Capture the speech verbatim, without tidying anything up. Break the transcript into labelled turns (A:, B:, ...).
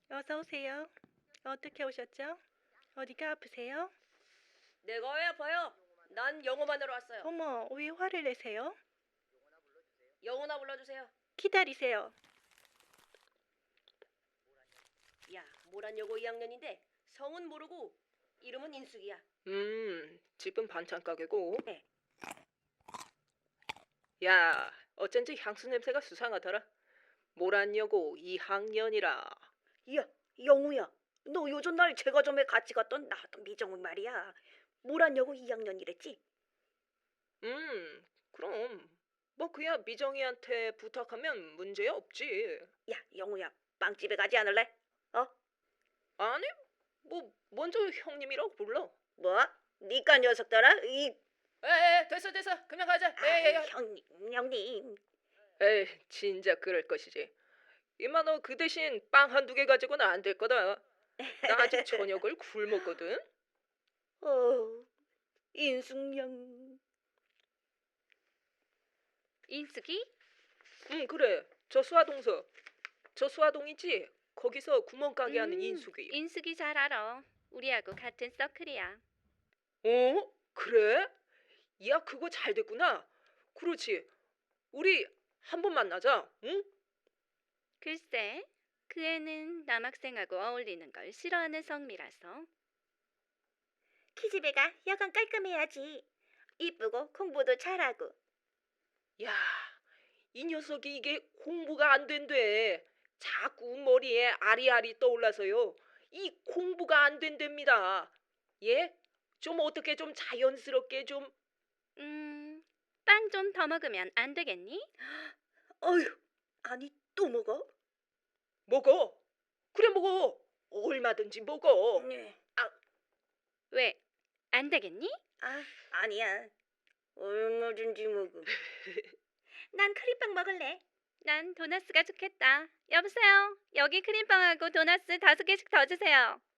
A: 어서 오세요. 어떻게 오셨죠? 어디가 아프세요?
B: 내가 왜 아파요? 난 영어만 하러 왔어요.
A: 어머, 왜 화를 내세요?
B: 영어나 불러주세요.
A: 기다리세요.
B: 야, 모란여고 이 학년인데 성은 모르고 이름은 인숙이야.
C: 음, 집은 반찬 가게고.
B: 네.
C: 야, 어쩐지 향수 냄새가 수상하더라. 모란여고 이 학년이라.
B: 야, 영우야. 너 요즘 날 제과점에 같이 갔던 나왔던 미정은 말이야. 모란여고 이 학년이랬지?
C: 음, 그럼 뭐 그야 미정이한테 부탁하면 문제 없지.
B: 야, 영우야. 빵집에 가지 않을래? 어?
C: 아니, 뭐 먼저 형님이라고 불러.
B: 뭐? 니까 녀석들아? 이
C: 에에, 됐어 됐어, 그냥 가자.
B: 아이, 형님, 형님.
C: 에이, 진짜 그럴 것이지. 이마 너 그 대신 빵 한두 개 가지고는 안 될 거다. 나 아직 저녁을 굶었거든.
B: 어, 인숙양.
D: 인숙이?
C: 응, 그래. 저 수화동서. 저 수화동이지? 거기서 구멍가게 하는
D: 음,
C: 인숙이.
D: 인숙이 잘 알아. 우리하고 같은 서클이야.
C: 어? 그래? 야, 그거 잘 됐구나. 그렇지. 우리 한 번 만나자. 응?
D: 글쎄, 그 애는 남학생하고 어울리는 걸 싫어하는 성미라서.
B: 키즈배가 여간 깔끔해야지. 이쁘고 공부도 잘하고.
C: 야, 이 녀석이 이게 공부가 안 된대. 자꾸 머리에 아리아리 떠올라서요. 이 공부가 안 된답니다. 예? 좀 어떻게 좀 자연스럽게 좀.
D: 음, 빵 좀 더 먹으면 안 되겠니?
B: 어휴, 아니 또 먹어?
C: 먹어. 그래 먹어. 얼마든지 먹어.
B: 네.
D: 왜, 안 되겠니?
B: 아, 아니야. 얼마든지 먹어. 난 크림빵 먹을래.
D: 난 도나스가 좋겠다. 여보세요? 여기 크림빵하고 도나스 다섯 개씩 더 주세요.